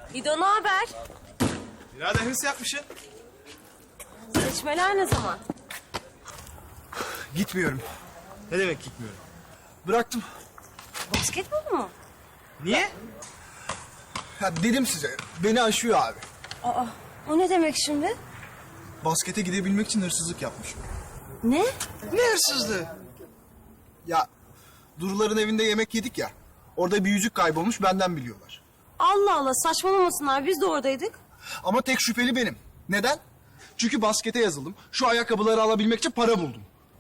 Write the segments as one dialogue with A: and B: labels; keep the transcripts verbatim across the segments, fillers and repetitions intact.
A: İdo, ne haber?
B: Birader hırs yapmışsın.
A: Seçmeler ne zaman?
B: Gitmiyorum. Ne demek gitmiyorum? Bıraktım.
A: Basketbol mu?
B: Niye? Ya dedim size, beni aşıyor abi.
A: Aa, o ne demek şimdi?
B: Baskete gidebilmek için hırsızlık yapmışım.
A: Ne?
B: Ne hırsızlığı? Ya Duruların evinde yemek yedik ya. Orada bir yüzük kaybolmuş, benden biliyorlar.
A: Allah Allah, saçmalamasınlar, biz de oradaydık.
B: Ama tek şüpheli benim. Neden? Çünkü baskete yazıldım. Şu ayakkabıları alabilmek için para buldum.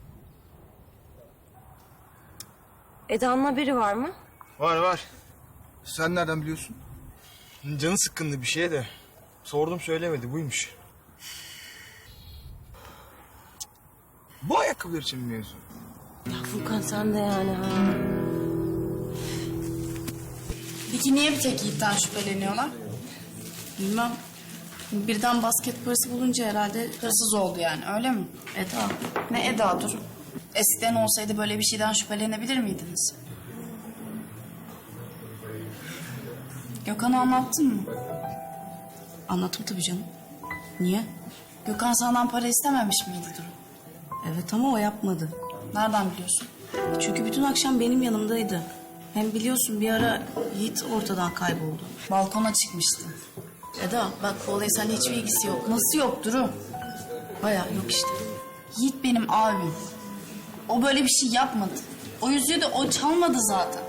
A: Eda'nın haberi var mı?
B: Var var. Sen nereden biliyorsun? Canı sıkkındı bir şeye de. Sordum söylemedi, buymuş. Bu ayakkabılar için mi mevzu?
A: Ya Furkan, sen de yani ha.
C: Peki niye bir tek Yiğit'ten şüpheleniyorlar? Bilmem. Birden basket parası bulunca herhalde hırsız oldu yani, öyle mi? Eda. Ne Eda, dur. Eskiden olsaydı böyle bir şeyden şüphelenebilir miydiniz? Gökhan'a anlattın mı? Anlattım tabii canım. Niye? Gökhan senden para istememiş miydi Duru?
D: Evet ama o yapmadı.
C: Nereden biliyorsun?
D: Çünkü bütün akşam benim yanımdaydı. Hem biliyorsun bir ara Yiğit ortadan kayboldu.
C: Balkona çıkmıştı.
D: Eda bak bu olayın seninle hiçbir ilgisi yok.
C: Nasıl yok Duru?
D: Bayağı yok işte.
C: Yiğit benim abim. O böyle bir şey yapmadı. O yüzüğü de o çalmadı zaten.